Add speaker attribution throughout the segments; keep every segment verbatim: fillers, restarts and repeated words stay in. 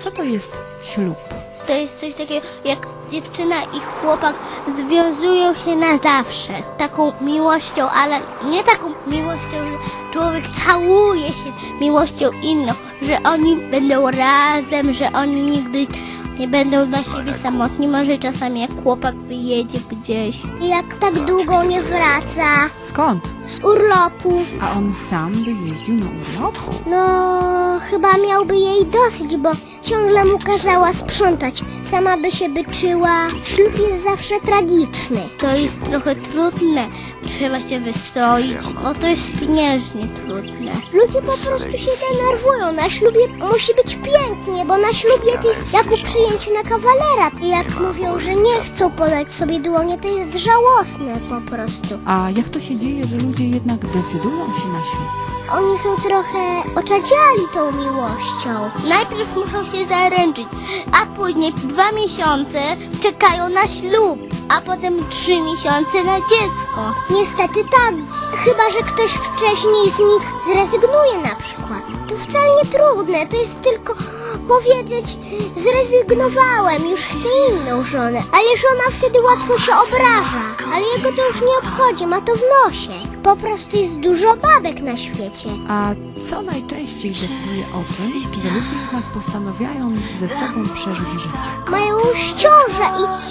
Speaker 1: Co to jest ślub?
Speaker 2: To jest coś takiego, jak dziewczyna i chłopak związują się na zawsze. Taką miłością, ale nie taką miłością, że człowiek całuje się miłością inną, że oni będą razem, że oni nigdy nie będą dla siebie samotni. Może czasami jak chłopak wyjedzie gdzieś. Jak tak długo nie wraca
Speaker 1: Skąd?
Speaker 2: z urlopu.
Speaker 1: A on sam by jeździł na urlop?
Speaker 2: No, chyba miałby jej dosyć, bo ciągle mu kazała sprzątać. Sama by się byczyła. Ślub jest zawsze tragiczny. To jest trochę trudne. Trzeba się wystroić. No to jest pieniężnie trudne. Ludzie po prostu się denerwują. Na ślubie musi być pięknie, bo na ślubie to jest jak u przyjęciu na kawalera. I jak mówią, że nie chcą podać sobie dłonie, to jest żałosne po prostu.
Speaker 1: A jak to się dzieje, że ludzie jednak decydują się na ślub?
Speaker 2: Oni są trochę oczadziali tą miłością. Najpierw muszą się zaręczyć, a później dwa miesiące czekają na ślub, a potem trzy miesiące na dziecko. Niestety tak, chyba że ktoś wcześniej z nich zrezygnuje na przykład. To wcale nie trudne, to jest tylko powiedzieć: zrezygnowałem, już chcę inną żonę. Ale żona wtedy łatwo się obraża, ale jego to już nie obchodzi, ma to w nosie. Po prostu jest dużo babek na świecie.
Speaker 1: A co najczęściej decyduje o tym, że ludzie jednak postanawiają ze sobą przeżyć życie?
Speaker 2: Mają już ciążę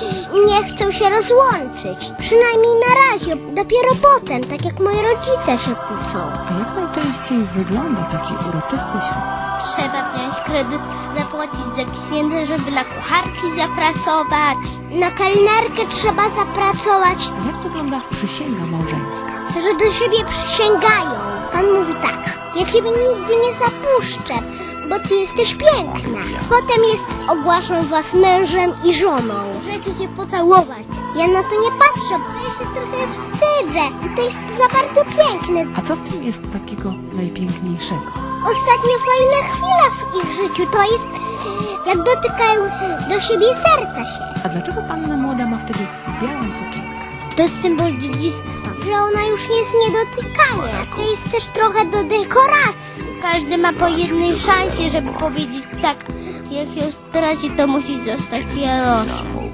Speaker 2: i nie chcą się rozłączyć. Przynajmniej na razie, dopiero potem, tak jak moi rodzice się kłócą.
Speaker 1: A jak najczęściej wygląda taki uroczysty ślub?
Speaker 2: Trzeba wziąć kredyt, zapłacić za księdza, żeby na kucharki zapracować. Na kelnerkę trzeba zapracować,
Speaker 1: A jak wygląda przysięga małżeńska?
Speaker 2: że do siebie przysięgają. Pan mówi tak: ja ciebie nigdy nie zapuszczę, bo ty jesteś piękna. Potem jest: ogłaszam was mężem i żoną. Że chcę cię pocałować. Ja na to nie patrzę, bo ja się trochę wstydzę. I to jest za bardzo piękne.
Speaker 1: A co w tym jest takiego najpiękniejszego?
Speaker 2: Ostatnie fajne chwile w ich życiu to jest, jak dotykają do siebie serca się.
Speaker 1: A dlaczego panna młoda ma wtedy białą sukienkę?
Speaker 2: To jest symbol dziedzictwa, że ona już nie jest niedotykania. To jest też trochę do dekoracji. Każdy ma po jednej szansie, żeby powiedzieć tak. Jak ją straci, to musi zostać Jaroszem.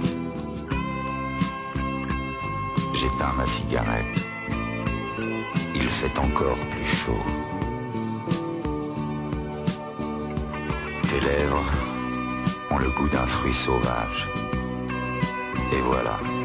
Speaker 3: J'éteins ma cigarette. Il fait encore plus chaud. Tes lèvres ont le goût d'un fruit sauvage. Et voilà.